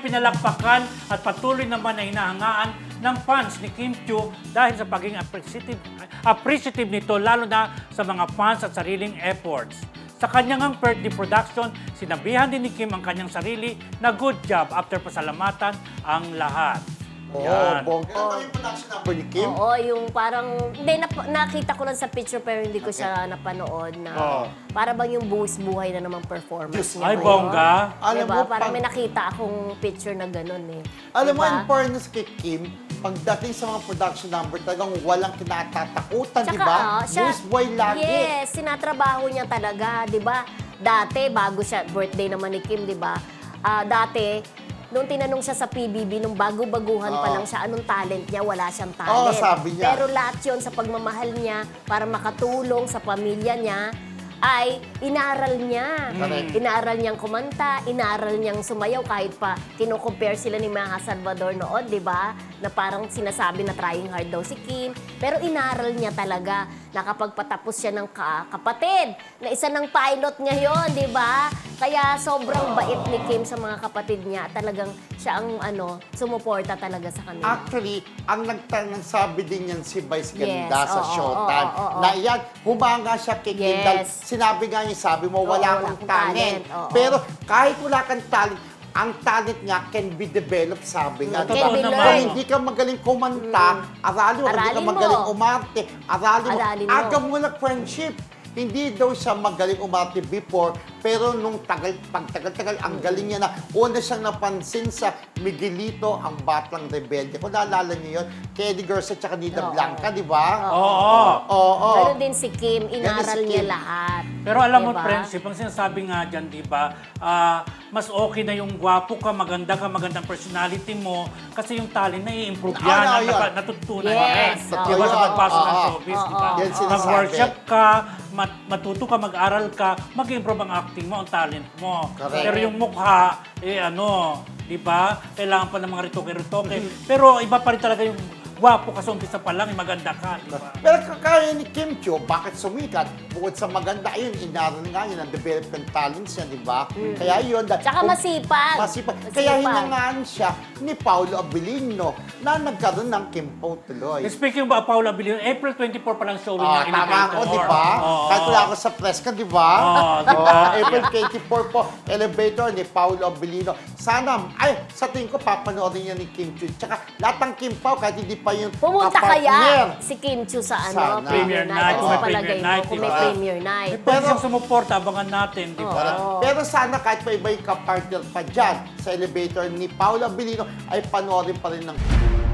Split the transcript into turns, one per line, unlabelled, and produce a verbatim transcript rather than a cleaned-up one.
pinalakpakan at patuloy naman na hinahangaan ng fans ni Kim Chiu dahil sa pagiging appreciative, appreciative nito lalo na sa mga fans at sariling efforts. Sa kanyang birthday production, sinabihan din ni Kim ang kanyang sarili na good job after pasalamatan ang lahat.
Oo,
Yan.
bongga. Ano ba yung production number ni Kim?
Oo, yung parang, hindi, nap- nakita ko lang sa picture pero hindi ko siya napanood na
Oo.
para bang yung buwis buhay na namang performance niya.
Ay,
ngayon.
bongga.
Alam
Diba?
mo,
Parang
pag-
may nakita akong picture na ganun eh.
Alam mo,
Diba?
in fairness kay Kim, pagdating sa mga production number, talagang walang kinatatakutan, di
Tsaka,
ba?
ah, siya-
Moose boy lagi.
Yes, sinatrabaho niya talaga, 'di ba? Dati bago siya birthday naman ni Kim, 'di ba? Ah, dati nung tinanong siya sa P B B, nung bago-baguhan pa
Oo.
lang siya, anong talent niya? Wala siyang talent.
Oo, sabi niya.
Pero lahat yun sa pagmamahal niya para makatulong sa pamilya niya, ay inaaral niya.
Correct.
Inaaral niyang kumanta, inaaral niyang sumayaw kahit pa kino-compare sila ni Maha Salvador noon, 'di ba? Na parang sinasabi na trying hard daw si Kim, pero inaaral niya talaga. Nakapagpatapos siya ng ka- kapatid na isa ng pilot niya 'yon, 'di ba? Kaya sobrang bait ni Kim sa mga kapatid niya. Talagang siya ang ano, sumuporta talaga sa kanila.
Actually, ang nagtanong sabi din yan si Vice
Yes,
Ganda sa
oo,
Showtime.
oo, oo, oo.
Na yan, humanga siya kay Kim
Yes.
dahil sinabi nga niya, sabi mo,
Oo,
wala
wala
kang
akong
talent.
talent, oo.
Pero kahit wala kang talent, ang talent nga can be developed, sabi nga.
Can
Diba?
be
Kung
learned.
hindi ka magaling kumanta, aralin mo. Hindi ka
Aralin mo.
magaling umarte, aralin mo.
Aralin mo.
Aga mo lang friendship. Hindi daw siya magaling umarte before, pero nung tagal, pagtagal-tagal, ang galing niya na una siyang napansin sa Miguelito, ang batang rebelde. Kung naalala niyo yun, kay Eddie Garza at Nina
Oo.
Blanca, di ba?
Oo.
Oo.
Pero din si Kim, inaral
si
niya
Kim.
lahat.
Pero alam mo,
Diba?
friendship, ang sinasabi nga dyan, di ba, ah, mas okay na yung gwapo ka, maganda ka, magandang personality mo, kasi yung talent na i-improve yan,
Ah,
ang
yun.
napa- natutunan
Yes,
yan.
oo.
Di ba, sa
Yun,
pagpasok ng
oo.
showbiz, di ba?
Oo.
Yan sinasabi.
Mag-workshop ka, mat- matuto ka, mag-aral ka, mag-improve ang acting mo, ang talent mo.
Correct.
Pero yung mukha, eh ano, di ba, kailangan pa ng mga ritoke-ritoke. Pero iba pa rin talaga yung gwapo ka sa umpisa pa lang, eh, maganda ka, di ba?
Pero kaya ni Kim Chiu, bakit sumikat? Bukod sa maganda, ayun, inaral nga yun, ang development talents niya, di ba? Kaya yun. da-
Tsaka
kung-
masipag.
Masipag.
Masipag.
Kaya hinangaan siya ni Paolo Abilino na nagkaroon ng Kim Po tuloy.
Speaking ba, Paula Abilino, April twenty-four pa lang showing
Ah,
ng
tama
Elevator.
ako, di ba?
Oo.
Kahit wala ako sa press ka, di ba?
Oo, di ba?
Oo, April twenty-four po, Elevator ni Paolo Abilino. Sana, ay, sa tingin ko, papanoorin niya ni Kim Chiu. Tsaka, lahat ng Kim Pao, kahit hindi pa yung
Pumunta
kapartner.
kaya si Kim Chiu sa
Sana.
ano,
Premier night,
Ano
kung
sa
may
palagay
premier
mo?
night,
Kung
di
may
ba?
premier night.
Pwede
Pero-
siyang sumuporta, abangan natin, di ba?
Oo.
Pero sana kahit pa iba yung kapartner pa dyan sa Elevator ni Paolo Abilino ay panoorin pa rin ng